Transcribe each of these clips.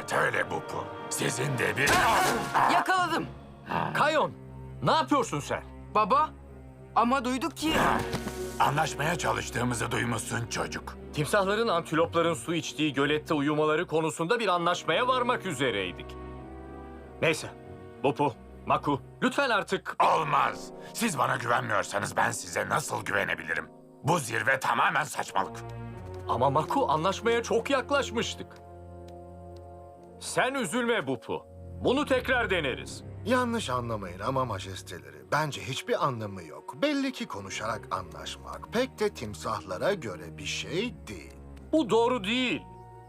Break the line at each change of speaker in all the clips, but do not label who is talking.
Evet öyle Bupu. Sizin de bir...
Yakaladım.
Kayon, ne yapıyorsun sen?
Baba, ama duyduk ki...
Anlaşmaya çalıştığımızı duymuşsun çocuk.
Timsahların antilopların su içtiği gölette uyumaları konusunda bir anlaşmaya varmak üzereydik. Neyse, Bupu, Maku, lütfen artık...
Olmaz. Siz bana güvenmiyorsanız ben size nasıl güvenebilirim? Bu zirve tamamen saçmalık.
Ama Maku, anlaşmaya çok yaklaşmıştık. Sen üzülme Bupu. Bunu tekrar deneriz.
Yanlış anlamayın ama majesteleri, bence hiçbir anlamı yok. Belli ki konuşarak anlaşmak pek de timsahlara göre bir şey değil.
Bu doğru değil.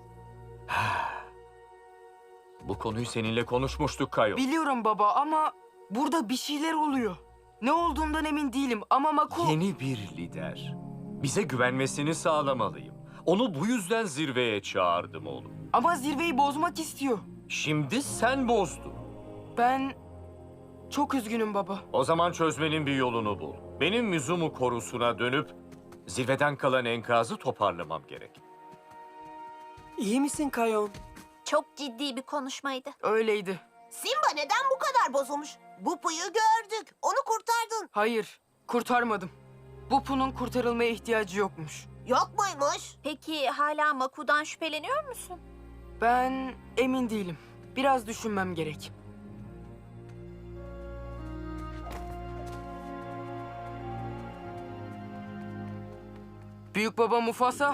Bu konuyu seninle konuşmuştuk Kayo.
Biliyorum baba ama burada bir şeyler oluyor. Ne olduğundan emin değilim ama Maku...
Yeni bir lider. Bize güvenmesini sağlamalıyım. Onu bu yüzden zirveye çağırdım oğlum.
Ama zirveyi bozmak istiyor.
Şimdi sen bozdun.
Ben çok üzgünüm baba.
O zaman çözmenin bir yolunu bul. Benim Mizumu korusuna dönüp zirveden kalan enkazı toparlamam gerek.
İyi misin Kayon?
Çok ciddi bir konuşmaydı.
Öyleydi.
Simba neden bu kadar bozulmuş? Bupu'yu gördük. Onu kurtardın.
Hayır, kurtarmadım. Bupu'nun kurtarılmaya ihtiyacı yokmuş.
Yok muymuş?
Peki hala Maku'dan şüpheleniyor musun?
Ben emin değilim. Biraz düşünmem gerek. Büyük baba Mufasa,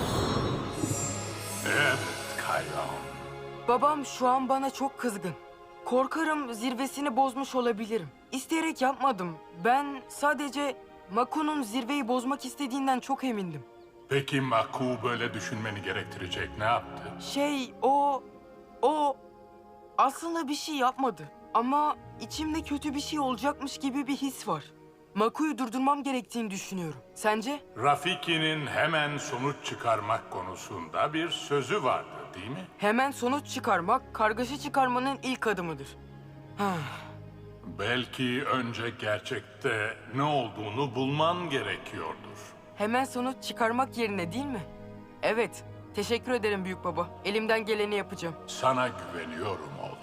Evet Kayon.
babam şu an bana çok kızgın. Korkarım zirvesini bozmuş olabilirim. İsteyerek yapmadım. Ben sadece Maku'nun zirveyi bozmak istediğinden çok emindim.
Peki Maku böyle düşünmeni gerektirecek ne yaptı?
O aslında bir şey yapmadı. Ama içimde kötü bir şey olacakmış gibi bir his var. Maku'yu durdurmam gerektiğini düşünüyorum. Sence?
Rafiki'nin hemen sonuç çıkarmak konusunda bir sözü vardı değil mi?
Hemen sonuç çıkarmak, kargaşa çıkarmanın ilk adımıdır.
Belki önce gerçekte ne olduğunu bulman gerekiyordur.
Hemen sonuç çıkarmak yerine değil mi? Evet, teşekkür ederim büyük baba. Elimden geleni yapacağım.
Sana güveniyorum oğlum.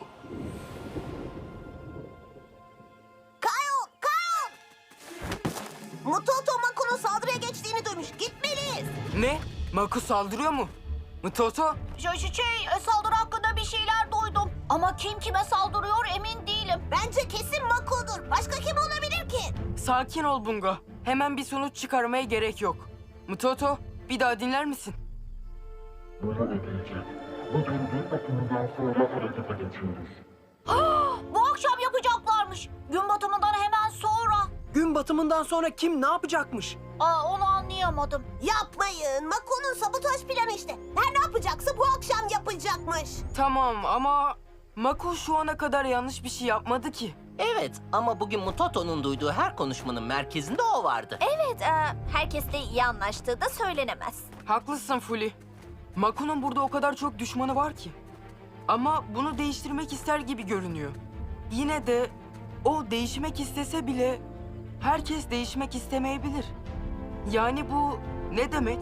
Kayon! Kayon! Mutoto Maku'nun saldırıya geçtiğini duymuş. Gitmeliyiz.
Ne? Maku saldırıyor mu? Mtoto?
Saldırı hakkında bir şeyler duydum. Ama kim kime saldırıyor emin değilim. Bence kesin Maku'dur. Başka kim olabilir ki?
Sakin ol Bunga. Hemen bir sonuç çıkarmaya gerek yok. Mtoto, bir daha dinler misin?
Bunu ödeyeceğim. Bugün gün batımından sonra harekete geçiyoruz.
Bu akşam yapacaklarmış. Gün batımından hemen sonra.
Gün batımından sonra kim ne yapacakmış?
Onu anlayamadım. Yapmayın. Maku'nun sabotaj planı işte. Her ne yapacaksa bu akşam yapacakmış.
Tamam ama Maku şu ana kadar yanlış bir şey yapmadı ki.
Evet ama bugün Mutoto'nun duyduğu her konuşmanın merkezinde o vardı.
Evet, herkesle iyi anlaştığı da söylenemez.
Haklısın Fuli. Maku'nun burada o kadar çok düşmanı var ki. Ama bunu değiştirmek ister gibi görünüyor. Yine de o değişmek istese bile herkes değişmek istemeyebilir. Yani bu ne demek?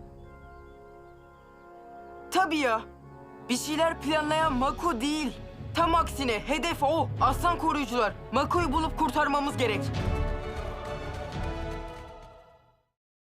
Tabii ya. Bir şeyler planlayan Maku değil. Tam aksine hedef o. Aslan koruyucular. Maku'yu bulup kurtarmamız gerek.